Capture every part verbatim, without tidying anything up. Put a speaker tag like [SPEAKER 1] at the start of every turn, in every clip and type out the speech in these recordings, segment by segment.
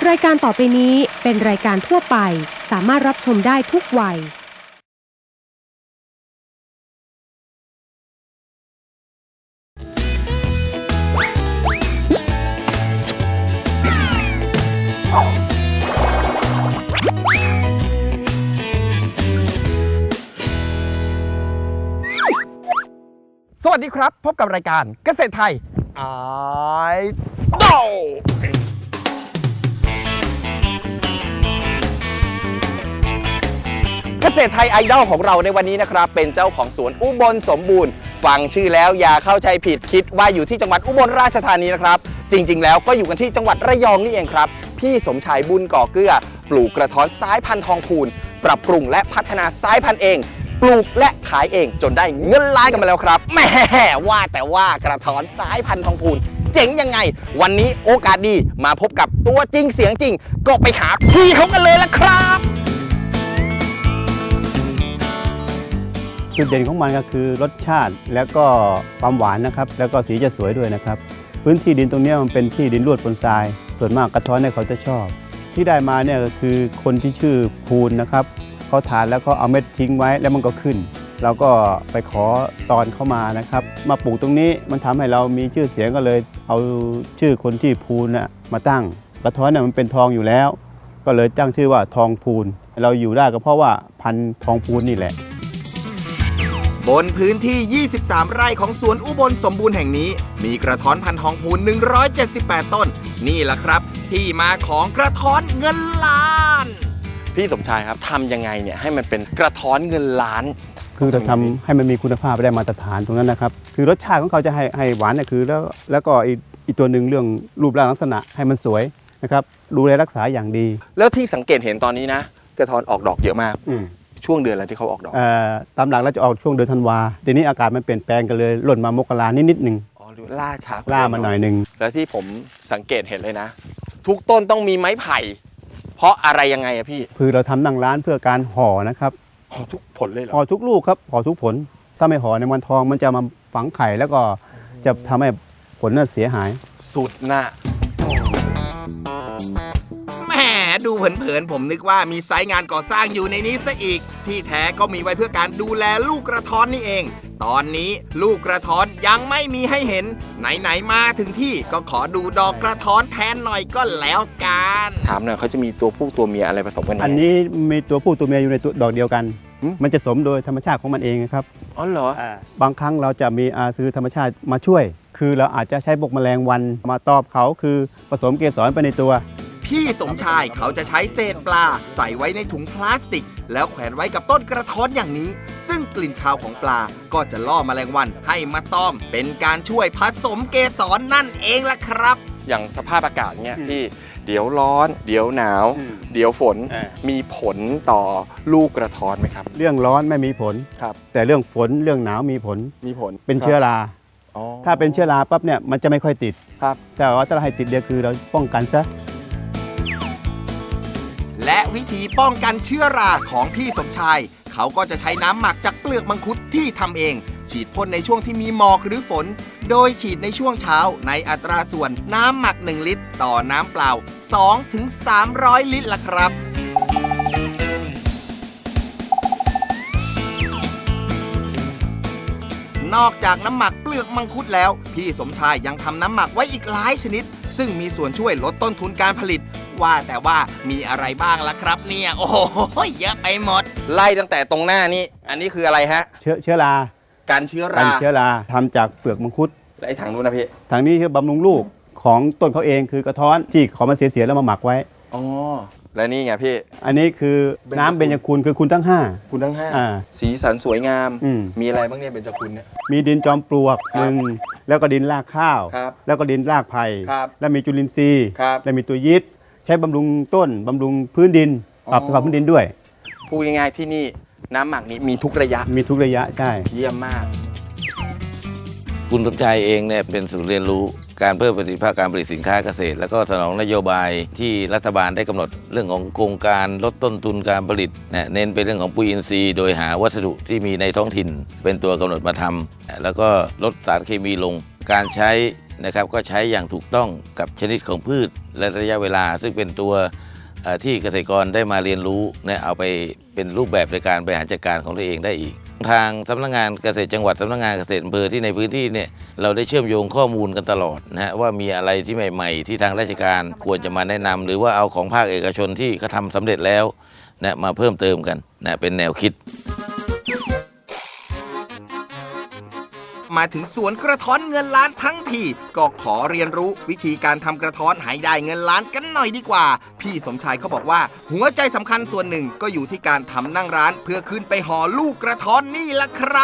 [SPEAKER 1] รายการต่อไปนี้เป็นรายการทั่วไปสามารถรับชมได้ทุกวัย
[SPEAKER 2] สวัสดีครับพบกับรายการเกษตรไทยไอดอลเกษตรไทยไอดอลของเราในวันนี้นะครับเป็นเจ้าของสวนอุบลสมบูรณ์ฟังชื่อแล้วอย่าเข้าใจผิดคิดว่าอยู่ที่จังหวัดอุบลราชธานีนะครับจริงๆแล้วก็อยู่กันที่จังหวัดระยองนี่เองครับพี่สมชายบุญก่อเกื้อปลูกกระท้อนสายพันธุ์ทองพูนปรับปรุงและพัฒนาสายพันธุ์เองปลูกและขายเองจนได้เงินล้านกันมาแล้วครับแหมว่าแต่ว่ากระท้อนสายพันธุ์ทองพูนเจ๋งยังไงวันนี้โอกาสดีมาพบกับตัวจริงเสียงจริงก็ไปหาพี่เขากันเลยละครับ
[SPEAKER 3] จุดเด่นของมันก็คือรสชาติแล้วก็ความหวานนะครับแล้วก็สีจะสวยด้วยนะครับพื้นที่ดินตรงนี้มันเป็นที่ดินลวดบนทรายส่วนมากกระท้อนเนี่ยเขาจะชอบที่ได้มาเนี่ยก็คือคนที่ชื่อภูนนะครับเขาทานแล้วก็เอาเม็ดทิ้งไว้แล้วมันก็ขึ้นเราก็ไปขอตอนเข้ามานะครับมาปลูกตรงนี้มันทำให้เรามีชื่อเสียงก็เลยเอาชื่อคนที่ภูนน่ะมาตั้งกระท้อนเนี่ยมันเป็นทองอยู่แล้วก็เลยตั้งชื่อว่าทองภูนเราอยู่ได้ก็เพราะว่าพันธุ์ทองภูนนี่แหละ
[SPEAKER 2] บนพื้นที่ยี่สิบสามไร่ของสวนอุบลสมบูรณ์แห่งนี้มีกระท้อนพันธุ์ทองพูนหนึ่งร้อยเจ็ดสิบแปดต้นนี่แหละครับที่มาของกระท้อนเงินล้านพี่สมชายครับทำยังไงเนี่ยให้มันเป็นกระท้อนเงินล้าน
[SPEAKER 3] คือเราทำให้มันมีคุณภาพได้มาตรฐานตรงนั้นนะครับคือรสชาติของเขาจะให้ให้หวานเนี่ยคือแล้วแล้วก็อีกอีกตัวหนึ่งเรื่องรูปร่างลักษณะให้มันสวยนะครับดูแลรักษาอย่างดี
[SPEAKER 2] แล้วที่สังเกตเห็นตอนนี้นะกระท้อนออกดอกเยอะมากช่วงเดือนอะไรที่เขาออกดอก
[SPEAKER 3] ตามหลักเราจะออกช่วงเดือนธันวาทีนี้อากาศมันเปลี่ยนแปลงกันเลยหล่นมามกรานิดนิดหนึ่ง
[SPEAKER 2] อ๋อล่าช้า
[SPEAKER 3] ล่ามาหน่อยหนึ่ง
[SPEAKER 2] แล้วที่ผมสังเกตเห็นเลยนะทุกต้นต้องมีไม้ไผ่เพราะอะไรยังไงอะพี่
[SPEAKER 3] คือเราทำนั่งร้านเพื่อการห่อนะครับ
[SPEAKER 2] ห่อทุกผลเลยเหรอ
[SPEAKER 3] ห่อทุกลูกครับห่อทุกผลถ้าไม่ห่อในวันทองมันจะมาฝังไข่แล้วก็จะทำให้ผลน่ะเสียหาย
[SPEAKER 2] สุดน่ะแหมดูเผินๆผมนึกว่ามีไซต์งานก่อสร้างอยู่ในนี้ซะอีกที่แท้ก็มีไว้เพื่อการดูแลลูกกระท้อนนี่เองตอนนี้ลูกกระท้อนยังไม่มีให้เห็นไหนๆมาถึงที่ก็ขอดูดอกกระท้อนแทนหน่อยก็แล้วกันถามหน่อยเขาจะมีตัวผู้ตัวเมียอะไรผสมกัน
[SPEAKER 3] อันนี้มีตัวผู้ตัวเมียอยู่ในตัวดอกเดียวกันมันจะสมโดยธรรมชาติของมันเองครับ
[SPEAKER 2] อ๋อเหร
[SPEAKER 3] อบางครั้งเราจะมีอาซื้อธรรมชาติมาช่วยคือเราอาจจะใช้พวกแมลงวันมาตอบเขาคือผสมเกสรไปในตัว
[SPEAKER 2] พี่สมชายเขาจะใช้เศษปลาใส่ไว้ในถุงพลาสติกแล้วแขวนไว้กับต้นกระท้อนอย่างนี้ซึ่งกลิ่นคาวของปลาก็จะล่อแมลงวันให้มาตอมเป็นการช่วยผสมเกสร นั่นเองล่ะครับอย่างสภาพอากาศเนี่ยพี่เดี๋ยวร้อนเดี๋ยวหนาวเดี๋ยวฝนมีผลต่อลูกกระท้อนไหมครับ
[SPEAKER 3] เรื่องร้อนไม่มีผล
[SPEAKER 2] ครับ
[SPEAKER 3] แต่เรื่องฝนเรื่องหนาวมีผล
[SPEAKER 2] มีผล
[SPEAKER 3] เป็นเชื้อราถ้าเป็นเชื้อราปั๊บเนี่ยมันจะไม่ค่อยติด
[SPEAKER 2] ครับ
[SPEAKER 3] แต่ว่าถ้าเราให้ติดเดียวคือเราป้องกันซะ
[SPEAKER 2] และวิธีป้องกันเชื้อราของพี่สมชายเขาก็จะใช้น้ำหมักจากเปลือกมังคุดที่ทำเองฉีดพ่นในช่วงที่มีหมอกหรือฝนโดยฉีดในช่วงเช้าในอัตราส่วนน้ำหมักหนึ่งลิตรต่อน้ำเปล่า สองถึงสามร้อย ลิตรล่ะครับนอกจากน้ำหมักเปลือกมังคุดแล้วพี่สมชายยังทำน้ำหมักไว้อีกหลายชนิดซึ่งมีส่วนช่วยลดต้นทุนการผลิตว่าแต่ว่ามีอะไรบ้างล่ะครับเนี่ยโอ้โหเยอะไปหมดไล่ตั้งแต่ตรงหน้านี้อันนี้คืออะไรฮะ
[SPEAKER 3] เชื้อเชื้อรา
[SPEAKER 2] การเชื้อรา
[SPEAKER 3] การเชื้อราทำจากเปลือกมังคุด
[SPEAKER 2] และไอ้ถังนู้นนะพี่
[SPEAKER 3] ถังนี้คือบำรุงลูกของต้นเขาเองคือกระท้อนที่เขามาเสียๆแล้วมาหมักไว้
[SPEAKER 2] อ๋อและนี่ไงพี่
[SPEAKER 3] อันนี้คือน้ำเบญจคุณคือคุณทั้งห้า
[SPEAKER 2] คุณทั้งห้าสีสันสวยงามมีอะไรบ้างเนี่ยเบญจคุณเนี่ย
[SPEAKER 3] มีดินจอมปลวกหนึ่งแล้วก็ดินรากข้าวแล้วก็ดินรากไผ่แล้วมีจุลินทรีย์แล้วมีตัวยีสต์ใช้บำรุงต้นบำรุงพื้นดินปรับสภาพพื้นดินด้วย
[SPEAKER 2] พูดง่ายๆที่นี่น้ำหมักนี้มีทุกระยะ
[SPEAKER 3] มีทุกระยะใช่
[SPEAKER 2] เยี่ยมมาก
[SPEAKER 4] คุณสมชายเองเนี่ยเป็นศูนย์เรียนรู้การเพิ่มประสิทธิภาพการผลิตสินค้าเกษตรแล้วก็สนองนโยบายที่รัฐบาลได้กำหนดเรื่องของโครงการลดต้นทุนการผลิตเน้นไปเรื่องของปุ๋ยอินทรีย์โดยหาวัสดุที่มีในท้องถิ่นเป็นตัวกำหนดมาทำแล้วก็ลดสารเคมีลงการใช้นะครับก็ใช้อย่างถูกต้องกับชนิดของพืชและระยะเวลาซึ่งเป็นตัวเอ่อที่เกษตรกรได้มาเรียนรู้นะเอาไปเป็นรูปแบบในการบริหารจัดการของตัวเองได้อีก ทางสำนักงานเกษตรจังหวัดสำนักงานเกษตรอำเภอที่ในพื้นที่เนี่ยเราได้เชื่อมโยงข้อมูลกันตลอดนะฮะว่ามีอะไรที่ใหม่ๆ ที่ทางราชการควรจะมาแนะนำหรือว่าเอาของภาคเอกชนที่เขาทำสำเร็จแล้วนะมาเพิ่มเติมกันนะเป็นแนวคิด
[SPEAKER 2] มาถึงสวนกระท้อนเงินล้านทั้งทีก็ขอเรียนรู้วิธีการทำกระท้อนให้ได้เงินล้านกันหน่อยดีกว่าพี่สมชายเขาบอกว่าหัวใจสำคัญส่วนหนึ่งก็อยู่ที่การทำนั่งร้านเพื่อขึ้นไปห่อลูกกระท้อนนี่ล่ะครับ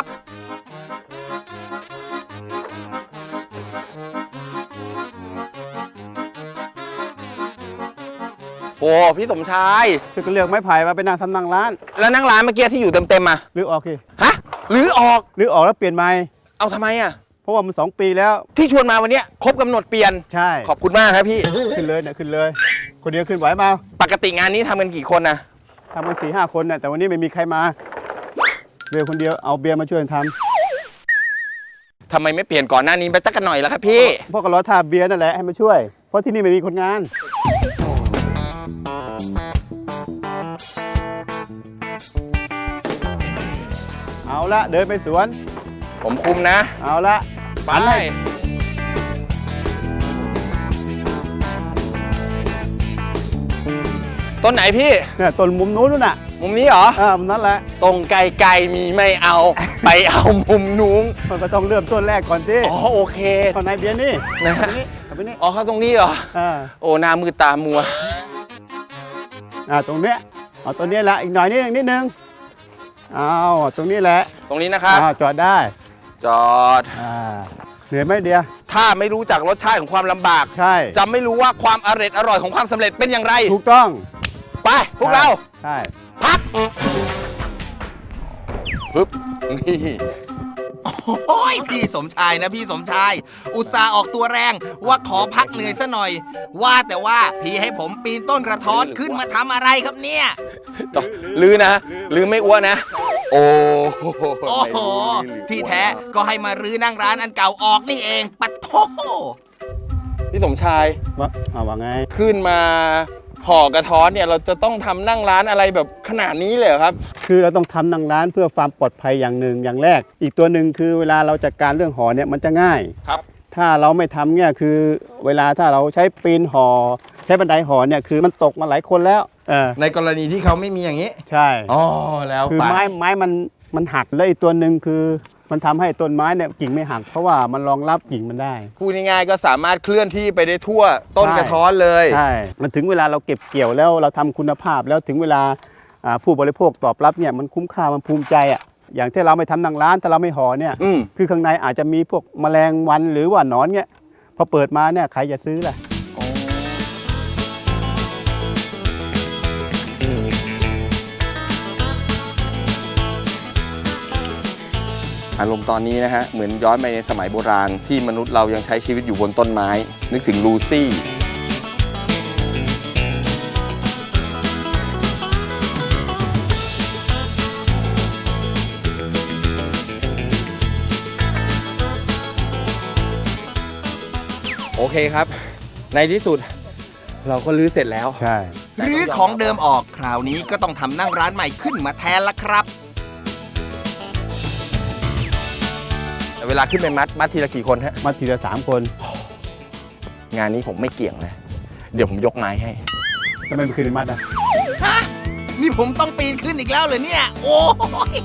[SPEAKER 2] โอ้พี่สมชาย
[SPEAKER 3] ก็เลือกไม้ไผ่มาเป็นนางทำนั่งร้าน
[SPEAKER 2] แล้วนั่งร้านเมื่อกี้ที่อยู่เต็มๆมา
[SPEAKER 3] หรือออกสิ
[SPEAKER 2] ฮะหรือออก
[SPEAKER 3] หรือออกแล้วเปลี่ยนใหม่
[SPEAKER 2] เอาทำไมอ่ะ
[SPEAKER 3] เพราะว่ามันสองปีแล้ว
[SPEAKER 2] ที่ชวนมาวันเนี้ยครบกำหนดเปลี่ยน
[SPEAKER 3] ใช่
[SPEAKER 2] ขอบคุณมากครับพี่
[SPEAKER 3] ขึ้นเลยเนี่ยขึ้นเลย คนเดียวขึ้นไหวมา
[SPEAKER 2] ปกติงานนี้ทำกันกี่คนนะ
[SPEAKER 3] ทำกันสี่ห้าคนเนี่ยแต่วันนี้ไม่มีใครมาเบียร์คนเดียวเอาเบียร์มาช่วยท
[SPEAKER 2] ทำไมไม่เปลี่ยนก่อนหน้านี้ไปสักกันหน่อยล่ะครับพี่
[SPEAKER 3] ำเพราะก็รอท่าเบียร์นั่นแหละให้มาช่วย เพราะที่นี่ไม่มีคนงาน เอาละเดินไปสวน
[SPEAKER 2] ผมคุมนะ
[SPEAKER 3] เอาละ
[SPEAKER 2] ไปต้นไหนพี่
[SPEAKER 3] เนี่ยต้นมุมนู้นนู่นน่ะ
[SPEAKER 2] มุมนี้เหรอ
[SPEAKER 3] อ่ามุมนั้นแหละ
[SPEAKER 2] ตรงไกลๆมีไม่เอา ไปเอามุมนู้น
[SPEAKER 3] มันก็ต้องเริ่มต้นแรกก่อนสิ
[SPEAKER 2] อ๋อโอเค
[SPEAKER 3] ข้างในเบียร์นี่
[SPEAKER 2] นะ
[SPEAKER 3] ตรงนี้เอาไปนี่
[SPEAKER 2] อ๋อเข้าตรงนี้เหรอ
[SPEAKER 3] อ่า
[SPEAKER 2] โอ้หน้ามือตามัว
[SPEAKER 3] อ่าตรงเนี้ยเอาตัวนี้แหละอีกหน่อยนิดนึงนิดนึงเอาตรงนี้แหละ
[SPEAKER 2] ตรงนี้นะครับ
[SPEAKER 3] อ่าจอดได้
[SPEAKER 2] จอด
[SPEAKER 3] อ่าเหนื่อยไหมเดีย
[SPEAKER 2] ถ้าไม่รู้จักรสชาติของความลำบาก
[SPEAKER 3] ใช่
[SPEAKER 2] จะไม่รู้ว่าความอร่อยอร่อยของความสำเร็จเป็นอย่างไร
[SPEAKER 3] ถูกต้อง
[SPEAKER 2] ไปพวกเรา
[SPEAKER 3] ใช่
[SPEAKER 2] พักปึ๊บนี่โอ้ยพี่สมชายนะพี่สมชาย อุตส่าห์ออกตัวแรงว่าขอพักเหนื่อยซะหน่อย ว่าแต่ว่าพี่ให้ผมปีนต้นกระท้อนขึ้นมาทำอะไรครับเนี่ยลือนะลือไม่อ้วนนะ โอ้โอ้โหที่แท้ก็ให้มารื้อนั่งร้านอันเก่าออกนี่เองปัดโทพี่สมชาย
[SPEAKER 3] ว่าเอาว่าไง
[SPEAKER 2] ขึ้นมาห่อกระท้อนเนี่ยเราจะต้องทำนั่งร้านอะไรแบบขนาดนี้เลยเหรอครับ
[SPEAKER 3] คือเราต้องทำนั่งร้านเพื่อความปลอดภัยอย่างหนึ่งอย่างแรก อีกตัวหนึ่งคือเวลาเราจัดการเรื่องห่อเนี่ยมันจะง่าย
[SPEAKER 2] ครับ
[SPEAKER 3] ถ้าเราไม่ทำเนี่ยคือเวลาถ้าเราใช้ปีนห่อใช้บันไดห่อเนี่ยคือมันตกมาหลายคนแล้วเออ
[SPEAKER 2] ในกรณีที่เขาไม่มีอย่างนี้
[SPEAKER 3] ใช่
[SPEAKER 2] อ๋อแล้ว
[SPEAKER 3] คือ
[SPEAKER 2] ไป
[SPEAKER 3] ไม้ไม้มันมันหักแล้วอีกตัวหนึ่งคือมันทำให้ต้นไม้เนี่ยกิ่งไม่หักเพราะว่ามันรองรับกิ่งมันได้
[SPEAKER 2] พูดง่ายๆก็สามารถเคลื่อนที่ไปได้ทั่วต้น
[SPEAKER 3] ใช่
[SPEAKER 2] กระท้อนเลย
[SPEAKER 3] ใช่มันถึงเวลาเราเก็บเกี่ยวแล้วเราทำคุณภาพแล้วถึงเวลาอ่าผู้บริโภคตอบรับเนี่ยมันคุ้มค่ามันภูมิใจอ่ะอย่างที่เราไม่ทำนั่งร้านแต่เราไม่ห่อเนี่ย
[SPEAKER 2] อืม
[SPEAKER 3] คือข้างในอาจจะมีพวกแมลงวันหรือว่าหนอนเนี่ยพอเปิดมาเนี่ยใครจะซื้อล่ะ
[SPEAKER 2] อารมณ์ตอนนี้นะฮะ เหมือนย้อนไปในสมัยโบราณที่มนุษย์เรายังใช้ชีวิตอยู่บนต้นไม้ นึกถึงลูซี่ โอเคครับ ในที่สุดเราก็รื้อเสร็จแล้ว
[SPEAKER 3] ใช่
[SPEAKER 2] รื้อของเดิมออกคราวนี้ก็ต้องทำนั่งร้านใหม่ขึ้นมาแทนละครับ เวลาขึ้นไปมัดมัดทีละกี่คนฮะ
[SPEAKER 3] มาทีละสามคน
[SPEAKER 2] งานนี้ผมไม่เกี่ยงนะ เดี๋ยวผมยกไม้ให้
[SPEAKER 3] ทำไมไม่ขึ้นมัดอ่ะ
[SPEAKER 2] ฮะ นี่ผมต้องปีนขึ้นอีกแล้วเหรอเนี่ย โอ้ย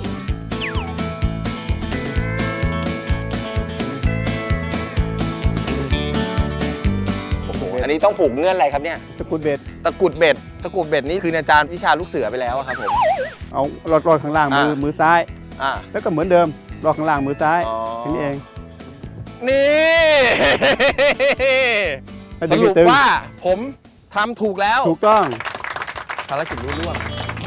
[SPEAKER 2] โอ้โหอันนี้ต้องผูกเงื่อนอะไรครับเนี่ย
[SPEAKER 3] ตะกรุดเบ็ด
[SPEAKER 2] ตะกรุดเบ็ด ตะกรุดเบ็ดนี่คืออาจารย์วิชาลูกเสือไปแล้วอะครับผม
[SPEAKER 3] เอารอดรอดข้างล่างมือ
[SPEAKER 2] อ่า
[SPEAKER 3] มือซ้าย
[SPEAKER 2] อ่า
[SPEAKER 3] แล้วก็เหมือนเดิมรอดข้างล่างมือซ้าย
[SPEAKER 2] อ๋อ
[SPEAKER 3] แค่นี้เอง
[SPEAKER 2] นี่
[SPEAKER 3] แล้ว
[SPEAKER 2] ส
[SPEAKER 3] ดึง
[SPEAKER 2] รุ
[SPEAKER 3] ให้
[SPEAKER 2] ป
[SPEAKER 3] ตึง
[SPEAKER 2] ว่าผมทำถูกแล้ว
[SPEAKER 3] ถูกต้อง
[SPEAKER 2] ภารกิจรุ่ร่วง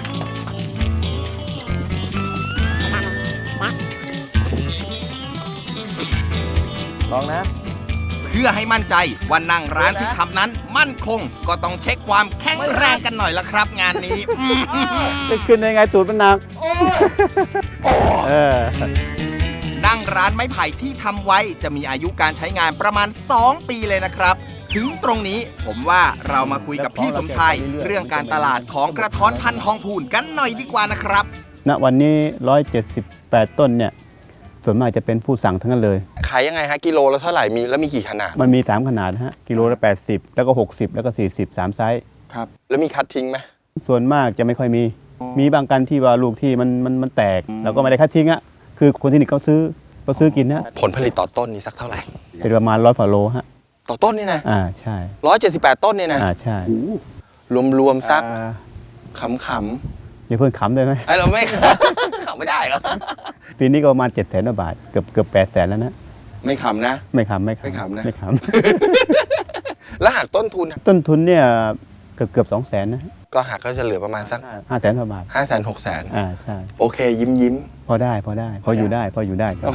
[SPEAKER 2] ลองนะ เพื่อให้มั่นใจว่านั่งร้านที่ทำนั้นมั่นคง ก็ต้องเช็คความแข็งแรงกันหน่อยละครับงานนี้
[SPEAKER 3] จะขึ้นได้ไงตูดมันหนักเออ
[SPEAKER 2] นั่งร้านไม้ไผ่ที่ทำไว้จะมีอายุการใช้งานประมาณสองปีเลยนะครับ ถึงตรงนี้ผมว่าเรามาคุยกับพี่สมชายเรื่องการตลาดของกระท้อนพันธุ์ทองพูนกันหน่อยดีกว่านะครับ
[SPEAKER 3] ณวันนี้หนึ่งร้อยเจ็ดสิบแปดต้นเนี่ยส่วนมากจะเป็นผู้สั่งทั้งนั้นเลย
[SPEAKER 2] ขายยังไงฮะกิโลละเท่าไหร่มีแล้วมีกี่ขนาด
[SPEAKER 3] มันมีสามขนาดนะฮะกิโลละแปดสิบแล้วก็หกสิบแล้วก็สี่สิบสามไซส์
[SPEAKER 2] ครับแล้วมีคัดทิ้งไหม
[SPEAKER 3] ส่วนมากจะไม่ค่อยมี
[SPEAKER 2] อ๋อ
[SPEAKER 3] มีบางกันที่ว่าลูกที่มันมันมันแตกเราก็ไม่ได้คัดทิ้งอะคือคนที่นี่เขาซื้อเขาซื้อกินนะ
[SPEAKER 2] ผลผลิตต่อต้นนี่สักเท่าไหร่
[SPEAKER 3] เป็นประมาณร้อยกว่าโลฮะ
[SPEAKER 2] ต่อต้นนี่นะ
[SPEAKER 3] อ่าใช่
[SPEAKER 2] ร้อยเจ็ดสิบแปดต้นนี่นะ
[SPEAKER 3] อ่าใช่
[SPEAKER 2] รวมๆสัก
[SPEAKER 3] อ่า
[SPEAKER 2] ขำ
[SPEAKER 3] อย่าเพิ่งขำได้ไหม
[SPEAKER 2] ๆไอ้เราไม่ ขำไม่ได้เหรอ
[SPEAKER 3] ปีนี้ก็ประมาณเจ็ดแสนบาทเกือบเกือบแปดแสนแล้วนะ
[SPEAKER 2] ไม่ขำนะ
[SPEAKER 3] ไม่ขำไม่
[SPEAKER 2] ไม่ขำนะ
[SPEAKER 3] ไม่ข
[SPEAKER 2] แล้วหากต้นทุน
[SPEAKER 3] ำ ต้นทุนเนี่ยเกือบเกือบสองแสนนะ
[SPEAKER 2] ก็หากก็จะเหลือประมาณสัก
[SPEAKER 3] ห้าแสนกว่าบาท
[SPEAKER 2] ห้าแสนหกแสน
[SPEAKER 3] อ่าใช่
[SPEAKER 2] โอเคยิ้มยิ้ม
[SPEAKER 3] พอได้พอได้พออยู่ได้พออยู่ได้ครับ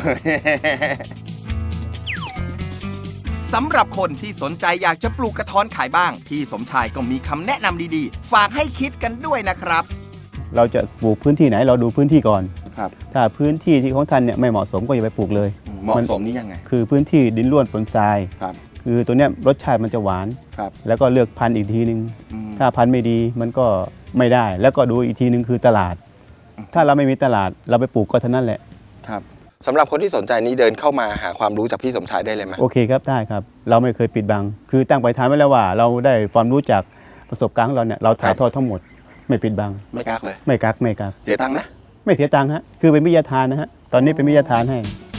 [SPEAKER 2] สำหรับคนที่สนใจอยากจะปลูกกระท้อนขายบ้าง พี่สมชายก็มีคำแนะนำดีๆ ฝากให้คิดกันด้วยนะครับ
[SPEAKER 3] เราจะปลูกพื้นที่ไหนเราดูพื้นที่ก่อน
[SPEAKER 2] ครับ
[SPEAKER 3] ถ้าพื้นที่ที่ของท่านเนี่ยไม่เหมาะสมก็อย่าไปปลูกเลย
[SPEAKER 2] เหมาะสมนี่ยังไง
[SPEAKER 3] คือพื้นที่ดินร่วนปนทราย
[SPEAKER 2] ครับ
[SPEAKER 3] คือตัวเนี้ยรสชาติมันจะหวาน
[SPEAKER 2] ครับ
[SPEAKER 3] แล้วก็เลือกพันธุ์อีกทีนึง
[SPEAKER 2] อืม
[SPEAKER 3] ถ้าพันธุ์ไม่ดีมันก็ไม่ได้ แล้วก็ดูอีกทีนึงคือตลาด ถ้าเราไม่มีตลาดเราไปปลูกก็เท่านั้นแหละ
[SPEAKER 2] ครับสำหรับคนที่สนใจนี้เดินเข้ามาหาความรู้จากพี่สมชายได้เลยไหม
[SPEAKER 3] โอเคครับได้ครับ เราไม่เคยปิดบัง คือตั้งปณิธานไว้แล้วว่า เราได้ความรู้จากประสบการณ์ของเราเนี่ยเราถ่ายทอดทั้งหมด ไม่ปิดบัง
[SPEAKER 2] ไม่กักเลย
[SPEAKER 3] ไม่กักไม่กัก
[SPEAKER 2] เสียตังค์นะ
[SPEAKER 3] ไม่เสียตังค์ฮะคือเป็นวิทยาทานนะฮะตอนนี้เป็นวิทยาทานให้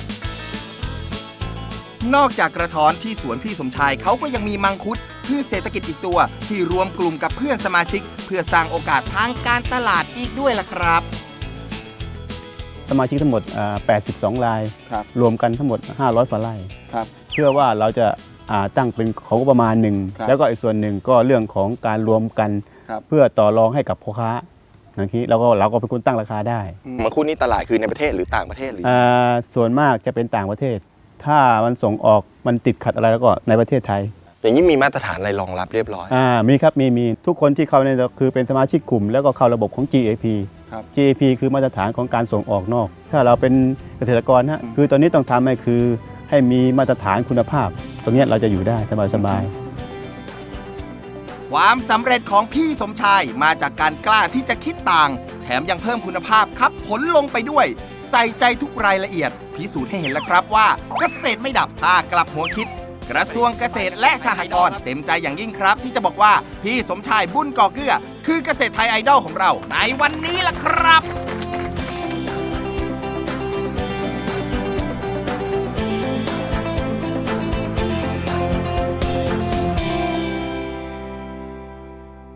[SPEAKER 2] นอกจากกระท้อนที่สวนพี่สมชายเขาก็ยังมีมังคุดพืชเศรษฐกิจอีกตัว ที่รวมกลุ่มกับเพื่อนสมาชิก เพื่อสร้างโอกาสทางการตลาดอีกด้วยล่ะครับ
[SPEAKER 3] สมาชิกทั้งหมดอ่าแปดสิบสองราย
[SPEAKER 2] ครับ
[SPEAKER 3] รวมกันทั้งหมดห้าร้อยกว่าไร่
[SPEAKER 2] ครับ
[SPEAKER 3] เชื่อว่าเราจะอ่าตั้งเป็นของงบประมาณหนึ่ง
[SPEAKER 2] ครับ
[SPEAKER 3] แล้วก็อีกส่วนหนึ่งก็เรื่องของการรวมกัน
[SPEAKER 2] ครับ
[SPEAKER 3] เพื่อต่อรองให้กับพ่อค้าอย่างนี้เราก็เราก็เป็นคนตั้งราคาได้
[SPEAKER 2] มังคุดนี่ตลาดคือในประเทศหรือต่างประเทศหรือ
[SPEAKER 3] อ่าส่วนมากจะเป็นต่างประเทศ ถ้ามันส่งออกมันติดขัดอะไรแล้วก็ในประเทศไทย
[SPEAKER 2] อย่างนี้มีมาตรฐานอะไรรองรับเรียบร้อย
[SPEAKER 3] อ่ามีครับมีมีทุกคนที่เข้าในคือเป็นสมาชิกกลุ่ม แล้วก็เข้าระบบของ จี เอ พี
[SPEAKER 2] ครับ
[SPEAKER 3] จี เอ พี คือมาตรฐานของการส่งออกนอก ถ้าเราเป็นเกษตรกรฮะ
[SPEAKER 2] อืม
[SPEAKER 3] คือตอนนี้ต้องทำให้คือให้มีมาตรฐานคุณภาพ ตรงเนี้ยเราจะอยู่ได้สบายสบาย
[SPEAKER 2] ความสำเร็จของพี่สมชายมาจากการกล้าที่จะคิดต่าง แถมยังเพิ่มคุณภาพครับผลลงไปด้วย ใส่ใจทุกรายละเอียด พิสูจน์ให้เห็นแล้วครับว่าเกษตรไม่ดับถ้ากลับหัวคิด กระทรวงเกษตรและสหกรณ์เต็มใจอย่างยิ่งครับ ที่จะบอกว่าพี่สมชายบุญก่อเกื้อ คือเกษตรไทยไอดอลของเราในวันนี้ล่ะครับ